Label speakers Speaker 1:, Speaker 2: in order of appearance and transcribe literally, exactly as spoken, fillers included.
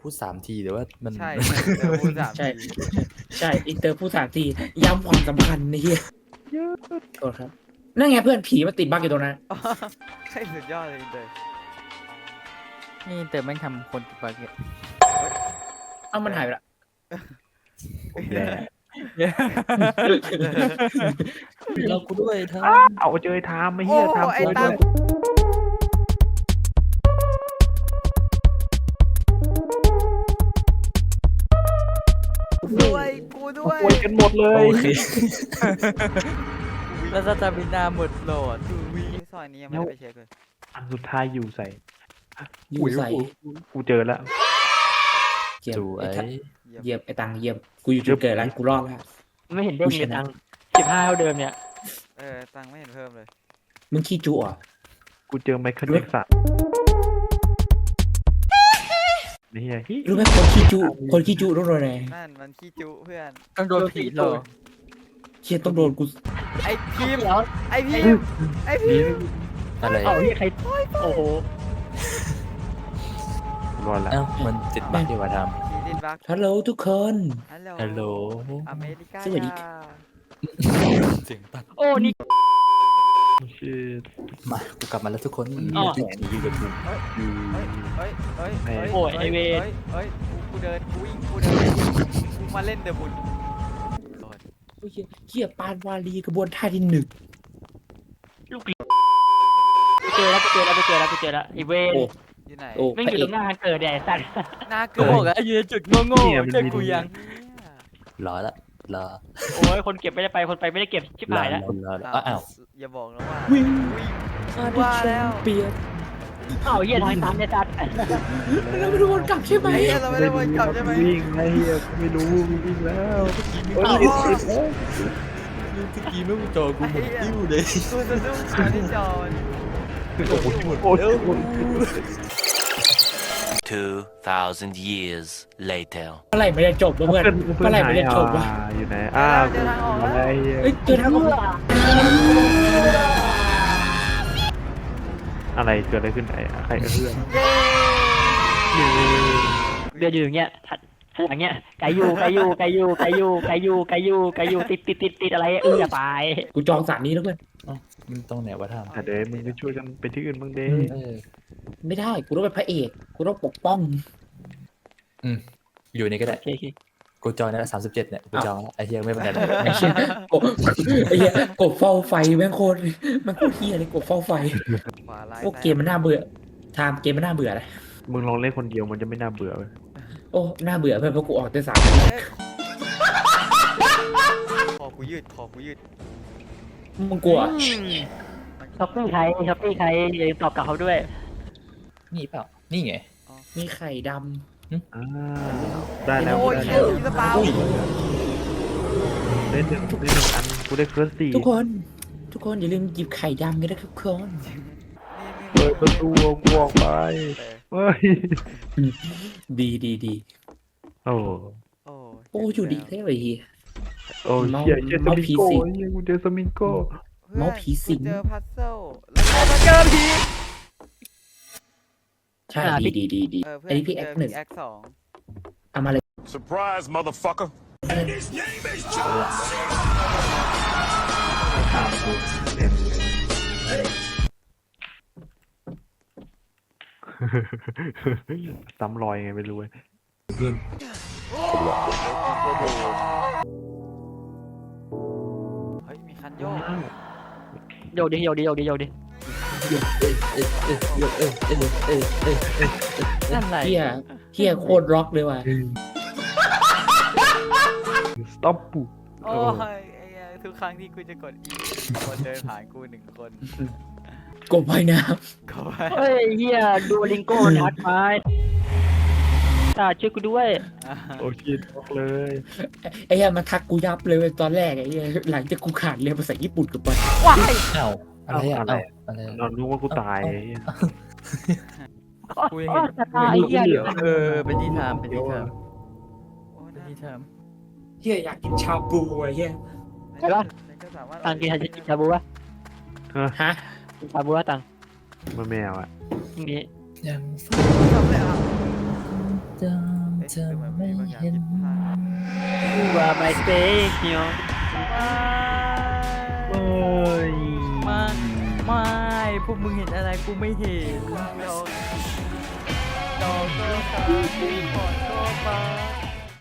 Speaker 1: พูดสามทีแต่ว่ามัน
Speaker 2: ใช่เดี๋ยวพูดสาม
Speaker 3: ใช่
Speaker 2: ที
Speaker 3: ใช่อินเตอร์พูดสามทีย้ำความสำคัญนี่เฮียโทษครับนั่นไงเพื่อนผีมาติดบั๊กอยู่ตรงนั้น
Speaker 2: ใช่สุดยอดเลยอินเตอร์
Speaker 4: นี่เติมแม่งทำคนติดบั๊กเนี่ย
Speaker 3: เอ้ามันหายไปละ
Speaker 1: แย่เรากูด้วยเธอ
Speaker 5: เอาเจอไอ้ทามไม่
Speaker 2: โอ้
Speaker 5: เฮียทาม
Speaker 2: ไอ้
Speaker 5: ตัว
Speaker 2: ตา
Speaker 5: ด้ว
Speaker 2: ม
Speaker 5: ย
Speaker 2: ด้วยกูด้วย
Speaker 5: ป่วยกันหมดเลย
Speaker 1: โอเค
Speaker 4: แล้วสตามินาหมดโหลด
Speaker 2: ซอยนี้ยังไม่ได้ไปเช็คเลย
Speaker 5: อันสุดท้ายอยู่ใส่
Speaker 3: อยู่ใส่
Speaker 5: กูเจอแล้ว
Speaker 3: เยี่ยม
Speaker 1: สว
Speaker 3: ไอ้
Speaker 1: ย
Speaker 3: ทัดเยี่ยมไอ้ตังเยี่ยมกูอยู่จุดเกิดแล้วกูรอดแล้ว
Speaker 6: ไม่เห็นเด้งเลยตังสิบห้าเท่าเดิมเนี่ย
Speaker 2: เออตังค์ไม่เห็นเพิ่มเลย
Speaker 3: มึงขี้จุอ่ะ
Speaker 5: กูเจอไมเคิลแจ็คสันนี่เฮียฮิ
Speaker 3: รู้ไหมคนขี้จุคนขี้จุต้องโดนอะไร
Speaker 2: นั่นมันขี้จุเพื่อน
Speaker 4: ต้องโดนผีหลอก
Speaker 3: เชี่ยต้องโดนกู
Speaker 2: ไอ้พิมพ์
Speaker 6: แล้ว
Speaker 2: ไอ้พิมพ์ไอ้พิมพ์
Speaker 1: อะไร
Speaker 6: เอ้าเฮียใครโอ้โห
Speaker 5: รอดละ
Speaker 1: เอ้ามันติดบั๊กดีกว่าท
Speaker 2: ผีดินบัก
Speaker 3: ฮัลโหลทุกคน
Speaker 2: ฮัลโหล
Speaker 1: ำฮัลโหล
Speaker 2: อเมริกา
Speaker 3: สวัสดี
Speaker 1: เสียงตัด
Speaker 6: โอ้นี่
Speaker 5: ชื่อ
Speaker 1: มากูกลับมาแล้วทุกคน
Speaker 6: อ๋อ
Speaker 1: แขนอยู่กับกู
Speaker 2: เฮ้ยเฮ้ยเฮ้ยเฮ้ย
Speaker 6: โอ้ยไอ้เวร
Speaker 2: เฮ้ยเฮ้ยกูกูเดินกูวิ่งกูเดินกูมาเล่นเดอะบุญ
Speaker 3: โอ้ยเชี่ยปานวาลีกระบวนท่าที่หนึ่ง
Speaker 6: ลูกกูเจอแล้วกูเจอแล้วกูเจอแล้วกูเจอแล้วไอเวน
Speaker 3: โอ้
Speaker 2: อยู่ไหน
Speaker 3: โอ้
Speaker 6: ไม่ง
Speaker 3: พระ
Speaker 6: อยู่
Speaker 3: เอ
Speaker 6: ตร
Speaker 3: ก
Speaker 6: งหน้าเกิดเนี่ยไอ้สัตว์
Speaker 2: หน้า
Speaker 4: กู
Speaker 2: เกิ
Speaker 4: บอก
Speaker 2: ด
Speaker 4: แล้วยืนจุดโง่ๆเจอกูยัง
Speaker 1: รอละรอ
Speaker 6: โอ้ยคนเก็บไม่ได้ไปคนไปไม่ได้เก็บชิบ
Speaker 1: รอ
Speaker 6: หายแล้ว
Speaker 1: รอรอรออ้าว
Speaker 2: อย่าบอกนะว่า
Speaker 3: วิ่ง
Speaker 2: วิ่ง
Speaker 3: มาดิ
Speaker 2: ว่า
Speaker 3: แช
Speaker 2: แล้ว
Speaker 3: มเปี้ยน
Speaker 6: เอ้าเฮียทางตันเนี่ยสัตว์
Speaker 3: เราไม่รู้วนกลับใช่ไหม
Speaker 2: ไอ้เหี้ยเราไม่ได้วนกลับใช่ไหม
Speaker 5: วิ่งไอ้เฮียไม่รู้วิ่งแล้ว
Speaker 6: เอ้า
Speaker 1: เมื่อกี้ไม่จอกูหมดติ้วเลย
Speaker 2: กูจะดุ้งตอนที่จอมัน
Speaker 5: โอ้โหโอ้โห
Speaker 7: Two thousand years later.
Speaker 3: เมื่อไหร่ไม่ได้จบวะเพื่อนเมื่อไหร่ไม่ได้จบวะ
Speaker 5: อยู่ไหนอ้าวอะไรเฮีย
Speaker 3: เอ้ยเจอทางออก
Speaker 5: อะไรเกิดอะไรขึ้นไอ้ใครเอื้อน
Speaker 6: เดือดอยู่อย่างเงี้ยอย่างเงี้ยไกยูไกยูไกยูไกยูไกยูไกยูไกยูติดติดติดติดอะไรเอออย่าไป
Speaker 3: กูจองสารนี้แล้วเพื่อน
Speaker 1: มันตรงไหนวะท
Speaker 5: อ่ะเดี๋ยวมึงไปช่วยกันไปที่อื่นบ้างเด้
Speaker 1: ำเออ
Speaker 3: ไม่ได้กูต้องเป็นพระเอกกูต้องปกป้อง
Speaker 1: อืมอยู่นี่ก็ได้
Speaker 6: โอเคโอเค
Speaker 1: กูจองนะสามสิบเจ็ดเนี่ยกูจองแล้วไอ้เฮียไม่เป็นไรหรอก
Speaker 3: ไอ้เชี่ยกบไอ้เหี้ยกบเฝ้าไฟแม่งโคตรแม่งโคตรเฮียเลยกบเฝ้าไฟ
Speaker 2: ขวาไล่
Speaker 3: โอ้เกมมันน่าเบื่อไทม์เกมมันน่าเบื่อเลย
Speaker 5: มึงลองเล่นคนเดียวมันจะไม่น่าเบื่อเลย
Speaker 3: โอ้น่าเบื่อเพื่อนเพราะกูออกแต่สาม
Speaker 2: คอกูยืดคอกูยืด
Speaker 3: มึงกลัว
Speaker 6: ช้อปปี้ใครช้อปปี้ใครอย่าตอบกลับเขาด้วย
Speaker 1: นี่เปล่านี่ไง
Speaker 3: มีไข่ด
Speaker 5: อ่าได้แล้ว
Speaker 2: โอ้ย
Speaker 5: ได้
Speaker 2: เหี้
Speaker 5: แล้
Speaker 2: ยว อีสปาว
Speaker 5: ได้หนึ่งได้หนึ่งอันกูได้เคิร์สสี่
Speaker 3: ำทุกคน ทุกคนอย่าลืมหยิบไข่ดำกันนะครับทุกคน
Speaker 5: เปิดประตูวงวงไปเฮ้ย
Speaker 3: ดีดีดี
Speaker 5: โอ้
Speaker 2: โอ้
Speaker 3: โอ้อยู่ดีแท้เลยเฮีย
Speaker 5: โอ้เชี่ยเจอสมิงโก้เฮียกูเจอสมิงโก้
Speaker 3: เมาส์ผีสิง
Speaker 2: เจอพัซเซิลแล้วก็มาเจอผี
Speaker 3: ใช่ดีดีดีดี
Speaker 2: เออเพื่
Speaker 3: อันนี้พี่แอคหนึ่ง
Speaker 2: แอคสอง
Speaker 3: เอามาเลย
Speaker 7: Surprise, motherfucker.
Speaker 5: ซ้ำรอยไงไม่รู้เว้ย
Speaker 2: เฮ้ยมีคันโยก
Speaker 6: โยกดิโยกดิโยกดิโยกดิ
Speaker 1: เออเออเออเออเออเออเออเออ
Speaker 4: นั่นไร
Speaker 3: เฮียเฮียโคตรร็อกเลยว่ะ
Speaker 5: สต็อปปู
Speaker 2: โอ้ยไอ้เหี้ยทุกครั้งที่กูจะกดอีคนเดินผ่านกูหนึ่งคน
Speaker 3: กบว่ายน้
Speaker 2: ก็ไป
Speaker 6: เฮ้ยเฮียดูลิงโก้นัดไปตาช่วยกูด้วย
Speaker 5: โอ้ชิตบอกเลย
Speaker 3: ำไอ้เฮียมาทักกูยับเลยเว้ยตอนแรกไอ้เฮียหลังจากกูขาดเรียนภาษาญี่ปุ่นกับมัน
Speaker 2: ว้าย
Speaker 1: เอ้าอะไรอะเอ้าอะไร
Speaker 5: นอนรู้ว่ากูตาย
Speaker 4: กูยังเห็น
Speaker 6: จะตายเฮีย
Speaker 4: เออเป็นที่ทามเป็นที่ทาม
Speaker 2: โอ้
Speaker 4: เป็น
Speaker 2: น่า
Speaker 4: ที่ทาม
Speaker 3: เฮียอยากกินชาบูไอ้เฮีย
Speaker 6: ใช่ปะ
Speaker 2: ก็สามารถ
Speaker 6: ตังกินชาบูปะ
Speaker 3: ฮะ
Speaker 6: กินชาบูปะตัง
Speaker 5: มันแมวอ่ะ
Speaker 6: ตรงนี้
Speaker 1: ยัง
Speaker 2: ทำเลยอ่ะ
Speaker 1: ต้อง
Speaker 2: เอ๊ะ
Speaker 1: เธอ
Speaker 2: ดูเหมือน
Speaker 1: ไม่
Speaker 2: มีบางอย่าง
Speaker 1: เห็น
Speaker 2: ผิดพลาด
Speaker 6: กูว่าไม่เซ็กเนาะโอ้ย
Speaker 4: มาไม่พวกมึงเห็นอะไรกูไม่เห็น
Speaker 2: ดอกดอกก็ตามกูขอโทษมา